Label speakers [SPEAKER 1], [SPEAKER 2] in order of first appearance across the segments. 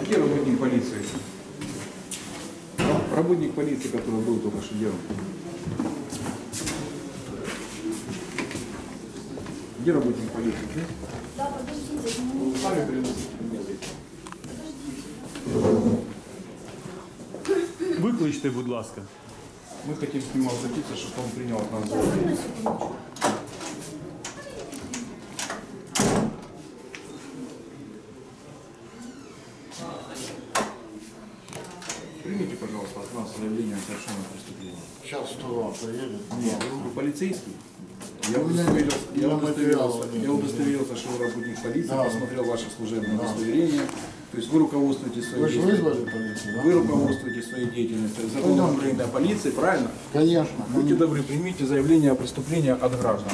[SPEAKER 1] Где работник полиции? Работник полиции, который был только что делом. Где работник полиции?
[SPEAKER 2] Да, подождите.
[SPEAKER 1] Сами приносите.
[SPEAKER 3] Викличте, будь ласка.
[SPEAKER 1] Мы хотим с ним обратиться, чтобы он принял от нас заявление. Примите, пожалуйста, от нас заявление о совершенном преступлении.
[SPEAKER 4] Сейчас 102 приедет.
[SPEAKER 1] Нет, вы полицейский. Я удостоверился, что вы работник полиции,
[SPEAKER 4] Да.
[SPEAKER 1] посмотрел ваше служебное удостоверение. То есть вы руководствуетесь своей
[SPEAKER 4] Вы же
[SPEAKER 1] деятельностью.
[SPEAKER 4] вызвали полицию, да?
[SPEAKER 1] Вы руководствуетесь своей деятельностью. Законом Украины о полиции, правильно?
[SPEAKER 4] Конечно.
[SPEAKER 1] Будьте добры, примите заявление о преступлении от граждан.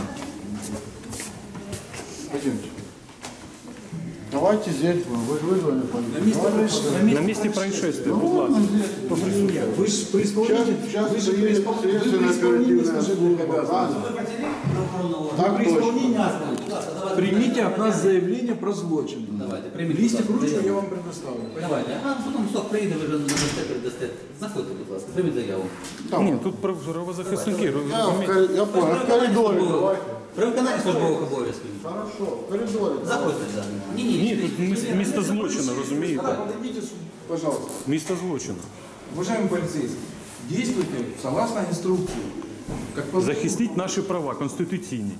[SPEAKER 1] Пойдемте.
[SPEAKER 4] Давайте здесь будем. Вы же вызвали полицию.
[SPEAKER 3] На месте происшествия, будь ласка.
[SPEAKER 1] Вы же при исполнении,
[SPEAKER 4] Сейчас
[SPEAKER 1] вы же при
[SPEAKER 4] приедет
[SPEAKER 1] исполнении
[SPEAKER 4] следственная оперативная
[SPEAKER 1] служебных
[SPEAKER 4] служба.
[SPEAKER 1] обязанностей.
[SPEAKER 4] Так
[SPEAKER 1] При
[SPEAKER 4] точно.
[SPEAKER 1] исполнении примите от нас заявление про злочин.
[SPEAKER 5] Давайте, прийміть.
[SPEAKER 1] Листик,
[SPEAKER 5] будь ласка,
[SPEAKER 1] ручку я
[SPEAKER 5] заяву.
[SPEAKER 1] вам предоставлю.
[SPEAKER 5] Давайте. А потім сок приїде, ви вже надасте. Знаходьте, будь ласка, прийміть заяву.
[SPEAKER 3] Ні, тут правозахисники,
[SPEAKER 4] Я
[SPEAKER 3] розумієте?
[SPEAKER 4] я понял. В коридоре. Давайте.
[SPEAKER 5] При виконанні службових обов'язків.
[SPEAKER 4] Хорошо. В коридоре.
[SPEAKER 5] Заходьте, так.
[SPEAKER 3] Ні, тут місто злочину, розумієте?
[SPEAKER 1] Подойдите, пожалуйста.
[SPEAKER 3] Місто злочину.
[SPEAKER 1] Уважаемый полицейский, действуйте согласно инструкции. Как по...
[SPEAKER 3] Захистіть наші права конституційні.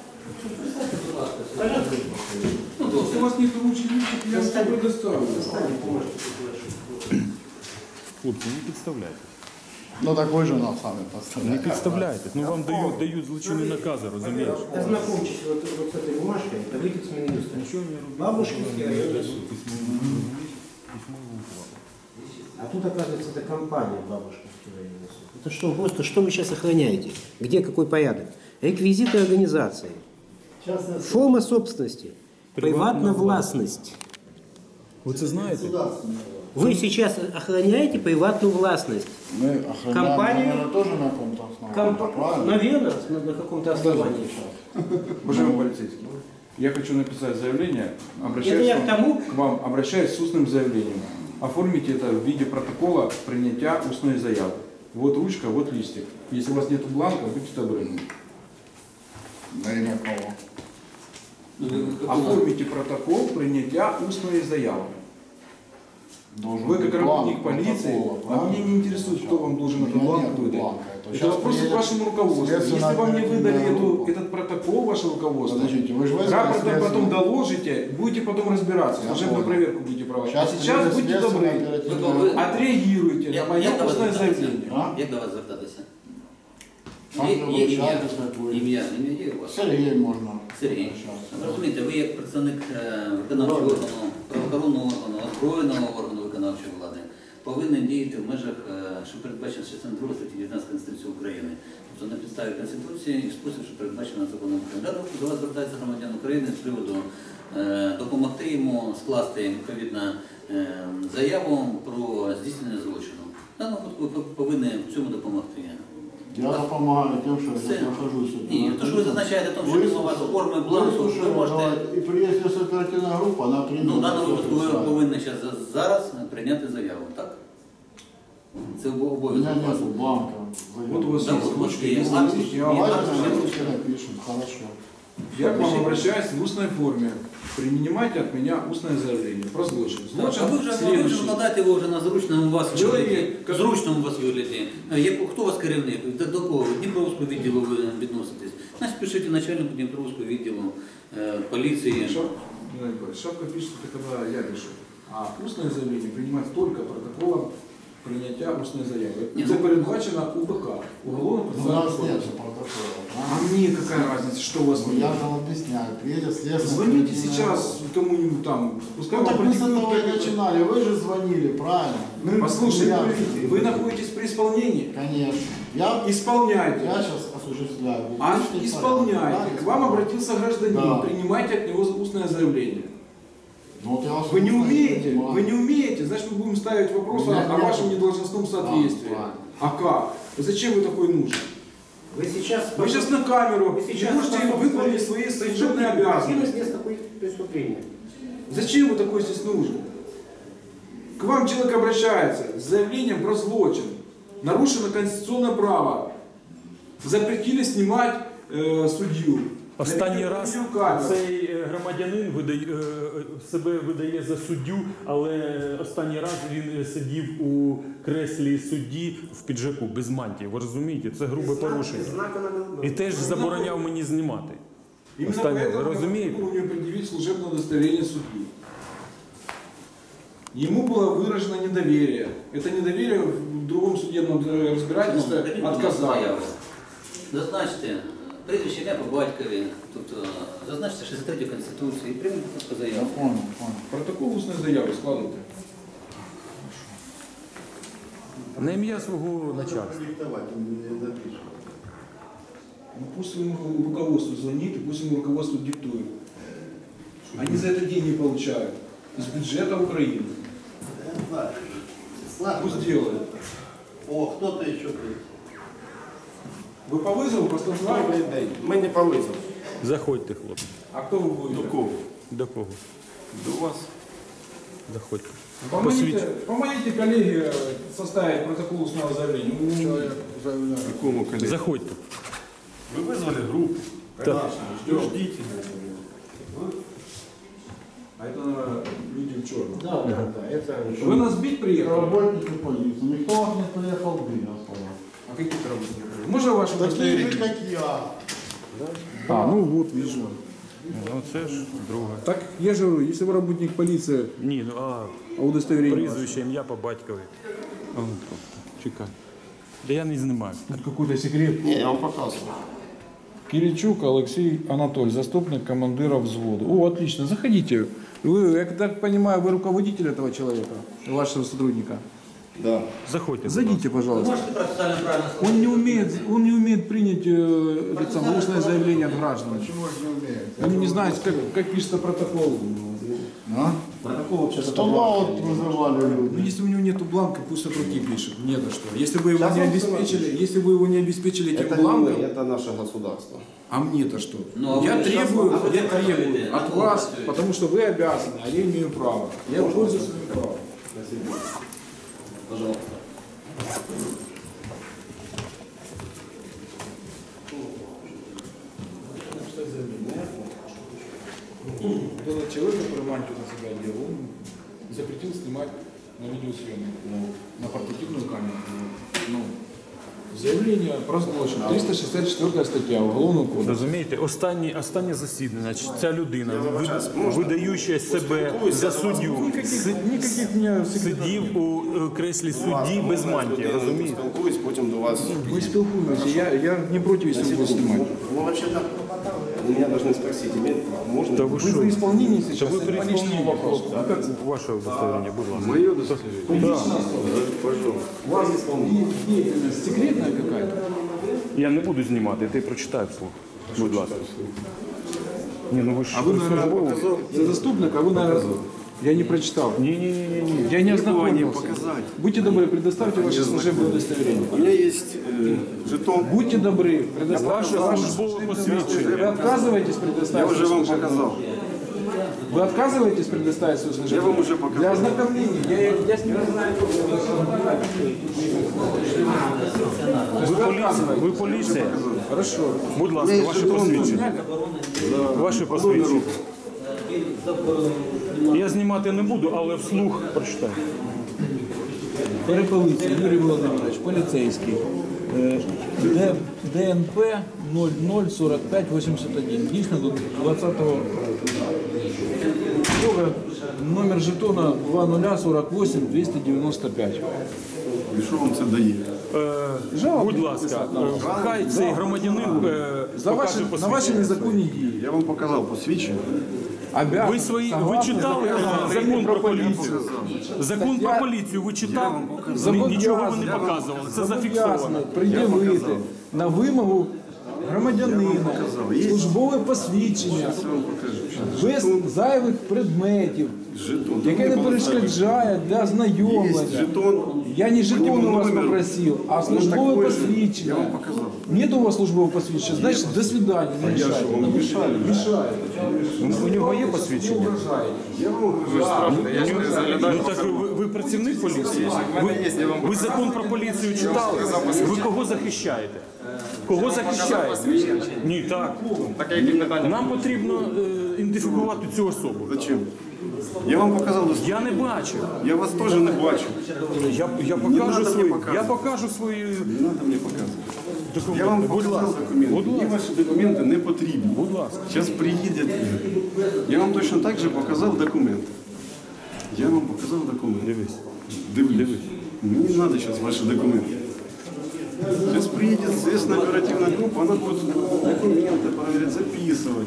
[SPEAKER 1] Если у вас нет ручки, я вам предоставлю.
[SPEAKER 3] Хлопці, не підставляйтесь.
[SPEAKER 4] Ну так вы же нам сами
[SPEAKER 3] Не
[SPEAKER 4] поставляете.
[SPEAKER 3] підставляйтесь. Ну вам дають злочинні накази, розумієш?
[SPEAKER 6] Ознакомьтесь вот с этой бумажкой, это выйдет с Минюста. Бабушкинский район. А тут, оказывается, это компания Бабушкинский район. Это что, просто что вы сейчас охраняете? Где какой порядок? Реквизиты организации. Форма собственности. Приватная властность.
[SPEAKER 3] Ви це знаєте?
[SPEAKER 6] Вы сейчас охраняете приватную властность.
[SPEAKER 4] Мы охраняем,
[SPEAKER 6] Компания-
[SPEAKER 4] наверное, тоже на каком-то основании. Правильно?
[SPEAKER 6] Наверное, на каком-то основании.
[SPEAKER 1] Уважаемый полицейский, я хочу написать заявление,
[SPEAKER 6] Это я к тому-
[SPEAKER 1] к вам, обращаюсь с устным заявлением. Оформите это в виде протокола принятия устной заявы. Вот ручка, вот листик. Если у вас нет бланка, будьте добры.
[SPEAKER 4] Да и никого.
[SPEAKER 1] Оформите протокол принятия устной заявы.
[SPEAKER 4] Должен
[SPEAKER 1] Вы
[SPEAKER 4] быть
[SPEAKER 1] как работник
[SPEAKER 4] бланк
[SPEAKER 1] полиции,
[SPEAKER 4] протокола,
[SPEAKER 1] а
[SPEAKER 4] правильно?
[SPEAKER 1] меня не интересует, кто вам должен
[SPEAKER 4] У
[SPEAKER 1] этот
[SPEAKER 4] меня
[SPEAKER 1] бланк
[SPEAKER 4] нет
[SPEAKER 1] выдать.
[SPEAKER 4] бланка. Это
[SPEAKER 1] Это
[SPEAKER 4] сейчас
[SPEAKER 1] вопрос к
[SPEAKER 4] приедет
[SPEAKER 1] вашему руководству. Если
[SPEAKER 4] следственная
[SPEAKER 1] вам не выдали
[SPEAKER 4] оперативная группа.
[SPEAKER 1] этот протокол, ваше руководство,
[SPEAKER 4] Подождите, вы же вызвали
[SPEAKER 1] рапортом потом
[SPEAKER 4] следственную-
[SPEAKER 1] доложите, будете потом разбираться,
[SPEAKER 4] Я
[SPEAKER 1] служебную
[SPEAKER 4] понял.
[SPEAKER 1] проверку будете проводить.
[SPEAKER 4] Сейчас
[SPEAKER 1] А сейчас
[SPEAKER 4] приедет
[SPEAKER 1] будьте
[SPEAKER 4] следственная
[SPEAKER 1] добры,
[SPEAKER 4] оперативная
[SPEAKER 5] Вы-
[SPEAKER 4] группа.
[SPEAKER 1] отреагируйте на мое
[SPEAKER 5] Як до вас
[SPEAKER 1] устное
[SPEAKER 5] звертатися?
[SPEAKER 1] заявление.
[SPEAKER 4] А?
[SPEAKER 5] Як до вас звертатися?
[SPEAKER 4] Там
[SPEAKER 5] Є
[SPEAKER 4] же
[SPEAKER 5] ім'я.
[SPEAKER 4] обращайтесь, как вы.
[SPEAKER 5] Ім'я є у вас?
[SPEAKER 4] Сергей можно.
[SPEAKER 5] Сергій.
[SPEAKER 4] обращаться.
[SPEAKER 5] Розумієте, ви як представник виконавчого органу, правоохоронного органу, озброєного органу виконавчої влади, повинен діяти в межах, що передбачено частиною 2 статті 19 Конституції України. Тобто на підставі Конституції і в спосіб, що передбачено законом України. До вас звертається громадян України з приводу допомогти йому скласти відповідну заяву про здійснення злочину. В даному випадку ви повинні в цьому допомогти.
[SPEAKER 4] Я допомагаю тем, что
[SPEAKER 5] Все.
[SPEAKER 4] я нахожусь.
[SPEAKER 5] Ні, то що ви зазначаєте, тому що у вас форми бланку, ви можете...
[SPEAKER 4] И приедет оперативная группа, она примет.
[SPEAKER 5] Ну, в даному
[SPEAKER 4] всё
[SPEAKER 5] випадку ви
[SPEAKER 4] описание.
[SPEAKER 5] повинні зараз прийняти заяву, так? Це
[SPEAKER 4] У меня
[SPEAKER 5] обов'язок вас.
[SPEAKER 4] нету бланка.
[SPEAKER 1] Вот у вас
[SPEAKER 5] Да,
[SPEAKER 1] есть
[SPEAKER 5] вот
[SPEAKER 1] ручка,
[SPEAKER 5] есть.
[SPEAKER 1] есть
[SPEAKER 5] Давайте,
[SPEAKER 1] листик, я вам
[SPEAKER 4] Давайте
[SPEAKER 5] Давайте,
[SPEAKER 4] на
[SPEAKER 5] давайте.
[SPEAKER 4] русский напишем, хорошо.
[SPEAKER 1] Я к вам обращаюсь в устной форме. Принимайте от меня устное заявление про злочин.
[SPEAKER 5] Так,
[SPEAKER 1] Злочин
[SPEAKER 5] а ви вже
[SPEAKER 1] следующий.
[SPEAKER 5] викладаєте його вже на зручному у вас
[SPEAKER 1] Чоловік,
[SPEAKER 5] вигляді.
[SPEAKER 1] як-
[SPEAKER 5] Зручному у вас вигляді. Хто у вас керівник? До кого? Дніпровського відділу ви відноситесь? Значить, пишіть начальнику Дніпровського відділу поліції.
[SPEAKER 1] Шапка пишет, это когда я решу. А устное заявление принимать только протоколом принятия устной заявы.
[SPEAKER 5] Не,
[SPEAKER 1] Это
[SPEAKER 5] ну-
[SPEAKER 1] передбачено УБК. Уголовно
[SPEAKER 4] У нас нет
[SPEAKER 1] процессуального
[SPEAKER 4] же протокола.
[SPEAKER 1] А мне какая разница, что у вас
[SPEAKER 4] Ну,
[SPEAKER 1] нет?
[SPEAKER 4] я же объясняю. Приедет следственная
[SPEAKER 1] Звоните
[SPEAKER 4] оперативная
[SPEAKER 1] сейчас
[SPEAKER 4] группа.
[SPEAKER 1] кому-нибудь там. Пускай
[SPEAKER 4] Ну
[SPEAKER 1] вам
[SPEAKER 4] так мы с
[SPEAKER 1] продиктуют
[SPEAKER 4] этого и
[SPEAKER 1] какой-то-
[SPEAKER 4] начинали. Вы же звонили, правильно?
[SPEAKER 1] Послушайте,
[SPEAKER 4] Я-
[SPEAKER 1] вы находитесь при исполнении?
[SPEAKER 4] Конечно. Я
[SPEAKER 1] Исполняйте.
[SPEAKER 4] сейчас осуществляю.
[SPEAKER 1] А
[SPEAKER 4] Пишите,
[SPEAKER 1] исполняйте.
[SPEAKER 4] правильно?
[SPEAKER 1] К вам обратился гражданин.
[SPEAKER 4] Да.
[SPEAKER 1] Принимайте от него устное заявление.
[SPEAKER 4] Ну, вот я вас
[SPEAKER 1] Вы не
[SPEAKER 4] слушаю,
[SPEAKER 1] умеете,
[SPEAKER 4] понимаю.
[SPEAKER 1] вы не умеете, значит мы будем ставить вопрос
[SPEAKER 4] У меня
[SPEAKER 1] о
[SPEAKER 4] нет.
[SPEAKER 1] вашем недолжностном соответствии.
[SPEAKER 4] правильно.
[SPEAKER 1] А как? Зачем вы такой нужен?
[SPEAKER 6] Вы сейчас...
[SPEAKER 1] Вы сейчас на камеру,
[SPEAKER 6] Вы
[SPEAKER 1] не
[SPEAKER 6] сейчас
[SPEAKER 1] можете выполнить свои служебные обязанности.
[SPEAKER 6] место преступления.
[SPEAKER 1] Зачем вы такой здесь нужен? К вам человек обращается с заявлением про злочин. Нарушено конституционное право. Запретили снимать судью.
[SPEAKER 3] Останній раз
[SPEAKER 1] Відеокамеру.
[SPEAKER 3] цей громадянин себе видає за суддю, але останній раз він сидів у креслі судді в піджаку, без мантії. Ви розумієте? Це грубе порушення. І теж забороняв мені знімати.
[SPEAKER 1] Именно
[SPEAKER 3] Останнє,
[SPEAKER 1] поэтому
[SPEAKER 3] ви розумієте?
[SPEAKER 1] я не предъявить служебное удостоверение судьи. Ему было выражено недоверие. Это недоверие в другом судебном разбирательстве отказало.
[SPEAKER 5] Зазначте прізвище ім'я по батькові, тобто зазначте 63 Конституції і прийміть просто заяву.
[SPEAKER 4] Понял.
[SPEAKER 1] Протокол устной заявы складывайте.
[SPEAKER 3] На ім'я свого начальства.
[SPEAKER 4] Диктовать он не напишет.
[SPEAKER 1] Ну, пусть ему руководству звонит и пусть ему руководство диктует. Они за это деньги получают. Из бюджета Украины. Пусть делают.
[SPEAKER 4] О, кто-то еще придет.
[SPEAKER 1] Вы по вызову просто знаете?
[SPEAKER 7] Ми не по визову.
[SPEAKER 3] Заходьте, хлопці.
[SPEAKER 1] А кто вы будете?
[SPEAKER 7] До кого?
[SPEAKER 3] До кого?
[SPEAKER 7] До вас.
[SPEAKER 3] Заходьте.
[SPEAKER 1] Помогите коллеге составить протокол устного заявления.
[SPEAKER 7] Якому колегі?
[SPEAKER 3] Заходьте.
[SPEAKER 7] Ви визвали групу.
[SPEAKER 3] Так.
[SPEAKER 7] Ждіть.
[SPEAKER 1] А это наверное, люди в черном.
[SPEAKER 6] Да, это...
[SPEAKER 1] Вы нас бить приехали?
[SPEAKER 4] Работники полиции. Никто вас не приехал бить, я сказал.
[SPEAKER 1] А какие то работники? Можно ваше
[SPEAKER 4] Такие же,
[SPEAKER 1] удостоверение?
[SPEAKER 4] как я.
[SPEAKER 1] А, ну вот, вижу.
[SPEAKER 3] Ну це ж друге.
[SPEAKER 1] Так, я же говорю, если вы работник полиции,
[SPEAKER 3] Ні, ну
[SPEAKER 1] а удостоверение
[SPEAKER 3] прізвище, ім'я по батькові. А, ну, чекай. Да я не знімаю.
[SPEAKER 1] ваше? Какой-то секрет.
[SPEAKER 4] Не, я вам показываю.
[SPEAKER 1] Киричук Алексей Анатольевич, заступник командира взвода. О, отлично, заходите. Вы, я так понимаю, вы руководитель этого человека, вашего сотрудника.
[SPEAKER 7] Да.
[SPEAKER 3] Заходьте.
[SPEAKER 1] Зайдите,
[SPEAKER 5] Ви
[SPEAKER 1] пожалуйста.
[SPEAKER 5] можете процесуально правильно
[SPEAKER 1] Он не умеет принять устное заявление от граждан.
[SPEAKER 4] Почему же не умеете?
[SPEAKER 1] Он не знает, как пишется протокол.
[SPEAKER 4] А?
[SPEAKER 6] Протокол вообще
[SPEAKER 4] Стола вот вызывали
[SPEAKER 1] Ну,
[SPEAKER 4] люди.
[SPEAKER 1] если у него нет бланка, пусть от руки пишет. Не за что. Если вы его
[SPEAKER 4] Сейчас
[SPEAKER 1] не
[SPEAKER 4] он
[SPEAKER 1] обеспечили, если вы его не обеспечили этим
[SPEAKER 7] Это не
[SPEAKER 1] бланком,
[SPEAKER 7] мы, это наше государство.
[SPEAKER 1] а мне-то что?
[SPEAKER 5] Ну, а
[SPEAKER 1] я
[SPEAKER 5] вы сейчас-
[SPEAKER 1] требую,
[SPEAKER 5] а вы
[SPEAKER 1] я
[SPEAKER 5] как
[SPEAKER 1] требую
[SPEAKER 5] работаете?
[SPEAKER 1] от
[SPEAKER 5] А вы
[SPEAKER 1] вас,
[SPEAKER 5] работаете?
[SPEAKER 1] потому что вы обязаны, а я имею право. Я пользуюсь своим правом.
[SPEAKER 5] Пожалуйста.
[SPEAKER 1] Вот этот человек, который мантию на себя делал, он запретил снимать на видеосъемку, на портативную камеру. Ну, заявление про злочин. 364 стаття Уголовного кодексу.
[SPEAKER 3] Розумієте, останнє засідання, ця людина, видаюча себе за суддю,
[SPEAKER 1] Никаких мне
[SPEAKER 3] сидів у креслі судді без мантії, розумієте?
[SPEAKER 7] Спілкуюсь, потім до вас.
[SPEAKER 1] Мы спілкуємося, я не против, если буду снимать.
[SPEAKER 7] Ну, вообще-то, вы меня должны спросить, имеет можно?
[SPEAKER 3] Та ви
[SPEAKER 1] Вы
[SPEAKER 3] що?
[SPEAKER 1] за исполнение
[SPEAKER 3] Та
[SPEAKER 1] сейчас,
[SPEAKER 3] ви
[SPEAKER 1] это
[SPEAKER 3] при
[SPEAKER 1] по личному
[SPEAKER 3] исполнении
[SPEAKER 1] вопросу.
[SPEAKER 3] просто. А як ваше удостоверення, будь ласка?
[SPEAKER 7] Мое удостоверение? Пожалуйста.
[SPEAKER 1] У вас деятельность секретная какая-то?
[SPEAKER 3] Я не буду знімати, ти прочитай вслух. Будь ласка. Ні, ну ви ж
[SPEAKER 1] А вы, наверное, за заступника, а вы, наверное, я не прочитал.
[SPEAKER 3] Ні.
[SPEAKER 1] Я не ознакомился.
[SPEAKER 7] показать.
[SPEAKER 1] Будьте добры, предоставьте ваше служебное удостоверение.
[SPEAKER 7] У меня есть жетон.
[SPEAKER 1] Будьте добры, предоставьте
[SPEAKER 3] Ваше
[SPEAKER 1] ваше
[SPEAKER 3] службове
[SPEAKER 1] Вы
[SPEAKER 3] посвідчення.
[SPEAKER 1] отказываетесь
[SPEAKER 7] Я
[SPEAKER 1] предоставить
[SPEAKER 7] уже
[SPEAKER 1] свое
[SPEAKER 7] вам
[SPEAKER 1] служебное?
[SPEAKER 7] показал.
[SPEAKER 1] Вы отказываетесь предоставить свое служебное?
[SPEAKER 7] Я вам уже показал.
[SPEAKER 1] Для ознакомления. Я с ним
[SPEAKER 3] Ви поліція.
[SPEAKER 1] Хорошо.
[SPEAKER 3] Будь ласка, ваше посвідчення. Ваше посвідчення. Я знімати не буду, але вслух прочитаю.
[SPEAKER 1] Перепелиця Юрій Володимирович, поліцейський. ДНП 004581. Дійсно до 20-го року. Номер жетона 2048 295.
[SPEAKER 7] І що вам це дає?
[SPEAKER 3] Будь ласка, хай цей громадянин
[SPEAKER 1] За ваші,
[SPEAKER 3] покаже
[SPEAKER 1] на ваші
[SPEAKER 3] посвідчення.
[SPEAKER 1] незаконні дії.
[SPEAKER 7] Я вам показав посвідчення.
[SPEAKER 3] Ви читали закон про поліцію? Закон про поліцію ви читали? Нічого ви не показували. Це зафіксовано.
[SPEAKER 1] Пред'явити на вимогу громадянина службове посвідчення без зайвих предметів.
[SPEAKER 7] Жетон.
[SPEAKER 1] яке не перешкоджає для
[SPEAKER 7] Есть
[SPEAKER 1] знайомлення.
[SPEAKER 7] жетон.
[SPEAKER 1] Я не жетон
[SPEAKER 7] По
[SPEAKER 1] у вас
[SPEAKER 7] номеру.
[SPEAKER 1] попросил, а
[SPEAKER 7] Ну,
[SPEAKER 1] службовое
[SPEAKER 7] такой же. Я
[SPEAKER 1] посвящение.
[SPEAKER 7] вам показал.
[SPEAKER 1] Нет у вас службового посвящения, значит, до свидания, не
[SPEAKER 7] Я
[SPEAKER 1] мешайте.
[SPEAKER 7] что, вам мешали?
[SPEAKER 1] Мешает.
[SPEAKER 3] У нього є посвідчення?
[SPEAKER 7] Я вам говорю, страшно. Я же не заглядаю.
[SPEAKER 3] Ну так ви працівник поліції? Ви закон про поліцію читали? Ви кого захищаєте? Кого захищаєте? Ні, так. Нам потрібно ідентифікувати цю особу.
[SPEAKER 7] Зачем? Я вам показал доступ.
[SPEAKER 3] Я не бачив.
[SPEAKER 7] Я вас тоже не бачу.
[SPEAKER 3] Я
[SPEAKER 7] надо
[SPEAKER 3] покажу
[SPEAKER 7] мені
[SPEAKER 3] свої.
[SPEAKER 7] показувати.
[SPEAKER 3] Я покажу свої
[SPEAKER 7] Не надо мне показывать.
[SPEAKER 3] документи.
[SPEAKER 7] Я вам
[SPEAKER 3] Будь
[SPEAKER 7] показав
[SPEAKER 3] ласка.
[SPEAKER 7] документи.
[SPEAKER 3] Будь
[SPEAKER 7] Мені
[SPEAKER 3] ласка.
[SPEAKER 7] ваші документи не потрібні.
[SPEAKER 3] Будь ласка.
[SPEAKER 7] Зараз приїде. Я вам точно так же показав документи. Я вам показав документи.
[SPEAKER 3] Дивись.
[SPEAKER 7] Дивлюсь. Мені не треба зараз ваші документи. Сейчас приедет следственная оперативная группа, она будет документы проверять, записывать.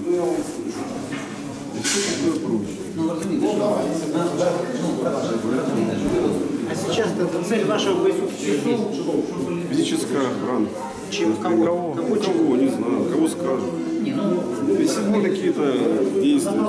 [SPEAKER 7] И все такое прочее.
[SPEAKER 6] А сейчас цель вашего присутствия здесь?
[SPEAKER 7] Физическая охрана.
[SPEAKER 6] Чем кого?
[SPEAKER 7] Кого, не знаю, кого скажут. Если были какие-то действия,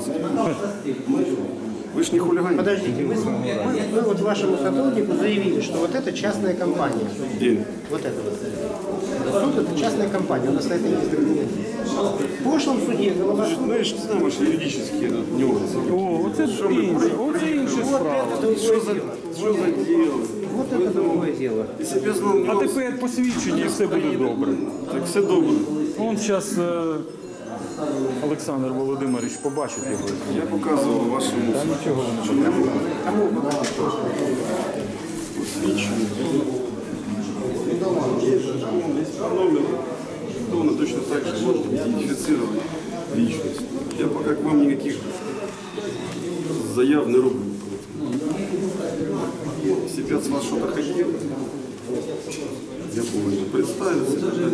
[SPEAKER 7] вы же не хулиганите.
[SPEAKER 6] Подождите, вы вот вашему сотруднику заявили, что вот это частная компания.
[SPEAKER 7] День.
[SPEAKER 6] Вот это вот. Суд это частная компания, у нас на это есть документы. В прошлом суде Головашов...
[SPEAKER 7] Ну, я же не знаю ваши юридические нюансы.
[SPEAKER 3] О, оце інша справа.
[SPEAKER 7] Что за дело?
[SPEAKER 6] Вот это другое дело.
[SPEAKER 7] Если бы я знал
[SPEAKER 3] А
[SPEAKER 7] нюансы,
[SPEAKER 3] тепер посвідчення і все буде добре.
[SPEAKER 7] так все добре.
[SPEAKER 3] Он зараз Олександр Володимирович побачить його.
[SPEAKER 7] Я показывал вашему посвящение. Есть по номеру. Кто точно так же может идентифицировать личность. Я пока к вам никаких заяв не роблю. Если бы я с вас что-то хотел, я повинен представиться.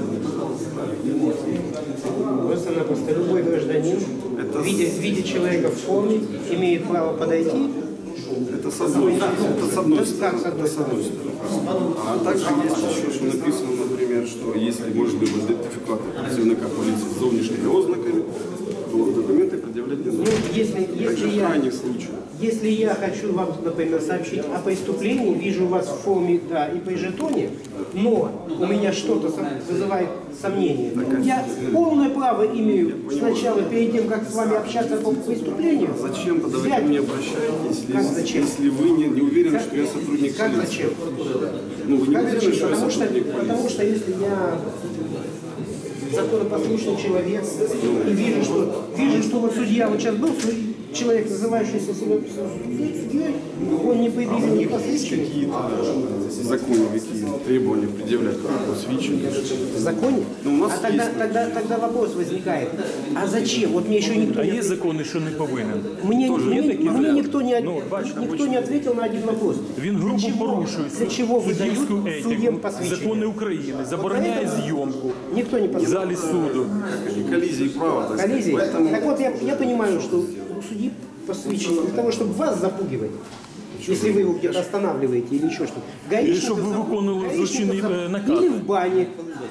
[SPEAKER 6] Просто-напросто любой гражданин, видя человека в форме, имеет право подойти.
[SPEAKER 7] Это с одной стороны. Это с одной
[SPEAKER 6] Как
[SPEAKER 7] стороны.
[SPEAKER 6] с одной
[SPEAKER 7] Это с одной стороны. А также есть еще, что написано, например, что если может быть идентификатор працівника полиции с зовнішніми ознаками, то документы предъявлять не
[SPEAKER 6] Ну,
[SPEAKER 7] нужно. Также в
[SPEAKER 6] я,
[SPEAKER 7] крайних случаях.
[SPEAKER 6] если я хочу вам, например, сообщить о преступлении, вижу вас в форме, да, и при жетоне, но у меня что-то вызывает сомнение, я полное право имею сначала, перед тем, как с вами общаться по преступлению,
[SPEAKER 7] Зачем тогда вы ко
[SPEAKER 6] взять-
[SPEAKER 7] мне обращаетесь,
[SPEAKER 6] Как зачем?
[SPEAKER 7] если вы не уверены, что я сотрудник
[SPEAKER 6] Как
[SPEAKER 7] полиции?
[SPEAKER 6] зачем?
[SPEAKER 7] Ну, вы не
[SPEAKER 6] Как
[SPEAKER 7] уверены,
[SPEAKER 6] зачем?
[SPEAKER 7] что я сотрудник полиции?
[SPEAKER 6] Потому что если я законопослушный человек и вижу, что вот судья вот сейчас был, человек, называющийся себя судьей, он не предъявил ни посвящения.
[SPEAKER 7] Какие-то законы, какие требования предъявлять посвящение?
[SPEAKER 6] В законе?
[SPEAKER 7] Ну, у нас
[SPEAKER 6] А тогда,
[SPEAKER 7] есть.
[SPEAKER 6] тогда вопрос возникает, а зачем? Вот мне еще никто
[SPEAKER 3] А
[SPEAKER 6] не
[SPEAKER 3] є закони, що не повинен.
[SPEAKER 6] Мне,
[SPEAKER 3] Тоже є такі
[SPEAKER 6] мне
[SPEAKER 3] варіанти?
[SPEAKER 6] никто, не,
[SPEAKER 3] Ну, бачите,
[SPEAKER 6] никто не ответил на один вопрос.
[SPEAKER 3] Він грубо
[SPEAKER 6] Для чего-
[SPEAKER 3] порушує
[SPEAKER 6] Для чего
[SPEAKER 3] суддівську
[SPEAKER 6] выдают судьям
[SPEAKER 3] етику,
[SPEAKER 6] посвящение?
[SPEAKER 3] закони України, забороняє зйомку
[SPEAKER 6] Никто не
[SPEAKER 3] в
[SPEAKER 6] посвящен.
[SPEAKER 3] залі суду.
[SPEAKER 7] Коллизии права, так сказать.
[SPEAKER 6] Коллизии.
[SPEAKER 7] Поэтому
[SPEAKER 6] Так вот, я понимаю, что у судьи посвящено для того, чтобы вас запугивать. Если вы его где-то останавливаете или еще что-то.
[SPEAKER 3] Или чтобы вы выполнили злочинный, наказ.
[SPEAKER 6] Или в бане.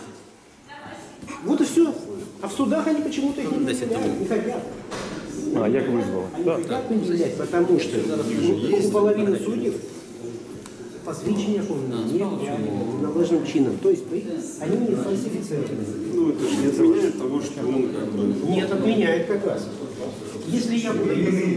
[SPEAKER 6] Вот и все. А в судах они почему-то их не предъявляют, не хотят.
[SPEAKER 3] А як визвали? Так.
[SPEAKER 6] Как предъявлять? Потому что у половины судей посвящения нет належным чином. То есть они не фальсифицированы.
[SPEAKER 7] ну, это же не отменяет того, что он как бы...
[SPEAKER 6] Нет, отменяет как раз. Если я буду... Меня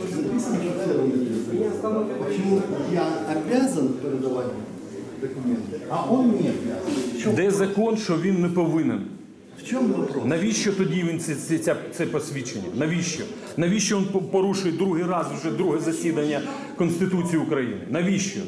[SPEAKER 6] остановят.
[SPEAKER 4] Почему я обязан передавать документы, а он не обязан?
[SPEAKER 3] Де закон, що він не повинен?
[SPEAKER 4] В чем вопрос?
[SPEAKER 3] Навіщо тоді він це посвідчення? Навіщо? Навіщо він порушує другий раз вже друге засідання Конституції України? Навіщо?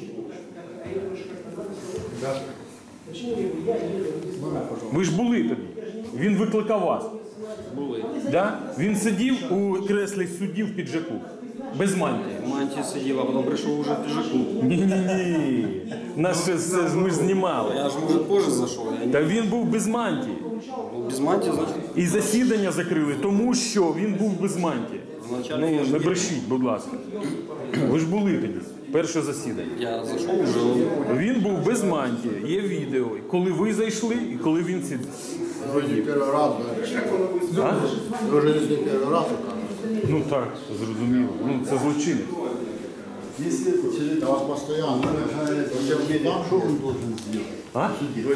[SPEAKER 3] Ви ж були тоді. Він викликав вас. Були. Да? Він сидів у креслі судді в піджаку. Без мантії.
[SPEAKER 8] Мантия сидела, а потом пришел уже в пиджаку.
[SPEAKER 3] Ні-ні-ні. Нас ще ми ж знімали.
[SPEAKER 8] Я же, может, позже зашел. Я не
[SPEAKER 3] Та він був без мантії.
[SPEAKER 8] был без мантии, значит,
[SPEAKER 3] І засідання закрили, тому що він був без мантії.
[SPEAKER 8] вначале
[SPEAKER 3] Ну,
[SPEAKER 8] я же
[SPEAKER 3] не брешіть, будь ласка. Ви ж були тоді, перше засідання.
[SPEAKER 8] я зашел уже.
[SPEAKER 3] Він був без мантії, є відео, коли ви зайшли і коли він сидів.
[SPEAKER 4] Вроде не первый раз, да?
[SPEAKER 3] А?
[SPEAKER 4] Вы уже не первый раз, оказывается.
[SPEAKER 3] Ну так, зрозуміло. Ну це злочинець.
[SPEAKER 4] Если человек вас постоянно угрожает, что он должен сделать?
[SPEAKER 3] А?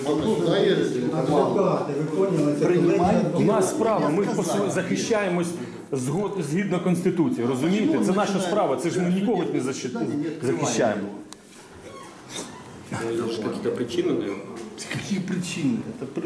[SPEAKER 4] Принимать
[SPEAKER 3] У нас справа, ми захищаємось згідно Конституції, розумієте? Це наша справа, це ж ми нікого не захищаємо.
[SPEAKER 8] Какие-то причины, наверное.
[SPEAKER 4] Какие причины?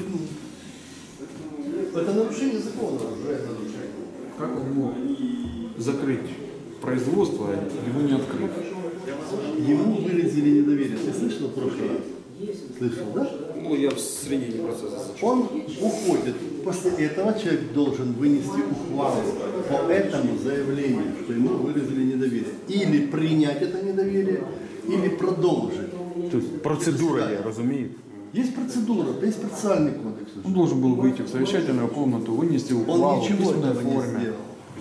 [SPEAKER 4] Это нарушение закона.
[SPEAKER 1] Как он мог закрыть производство, его не открыть?
[SPEAKER 4] Ему выразили недоверие. Ты слышал в прошлый раз? Слышал, да?
[SPEAKER 8] Ну, я в середине процесса зашел.
[SPEAKER 4] Он уходит. После этого человек должен вынести ухвалу по этому заявлению, что ему выразили недоверие. Или принять это недоверие, или продолжить.
[SPEAKER 3] Тобто процедура є, розумієте?
[SPEAKER 4] Есть процедура, есть процессуальный кодекс.
[SPEAKER 1] Он должен был выйти в совещательную комнату, вынести
[SPEAKER 4] Он
[SPEAKER 1] ухвалу в
[SPEAKER 4] ничего
[SPEAKER 1] письменной
[SPEAKER 4] этого не
[SPEAKER 1] форме.
[SPEAKER 4] сделал.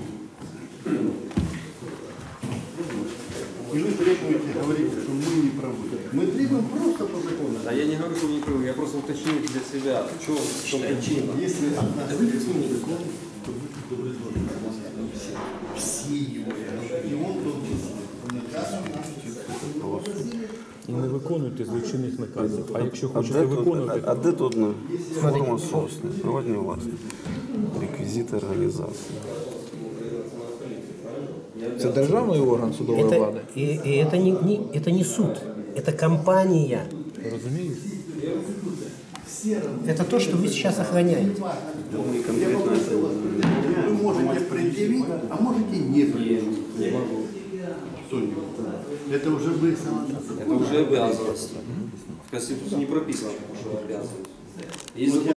[SPEAKER 4] И вы требуете, говорите, что мы не правы. Мы требуем просто по закону.
[SPEAKER 8] Да я не говорю, что вы не правы, я просто уточнил для себя, в чем причина.
[SPEAKER 4] Если от нас требует закон, то вы должны все его. И он должен наказан нас.
[SPEAKER 3] І не виконуйте злочинних наказів. А якщо хочете виконувати,
[SPEAKER 7] А де тут форма собственности, приватні власності, реквізити організації?
[SPEAKER 1] Це державний орган судової
[SPEAKER 6] Это,
[SPEAKER 1] влади.
[SPEAKER 6] и это не суд, это компания.
[SPEAKER 3] розумієте?
[SPEAKER 6] Это то, что вы сейчас охраняете.
[SPEAKER 4] Вы можете предъявить, а можете не предъявить. Это уже вы сами.
[SPEAKER 8] Это уже обязанность. В Конституции не прописано, что обязанность. Если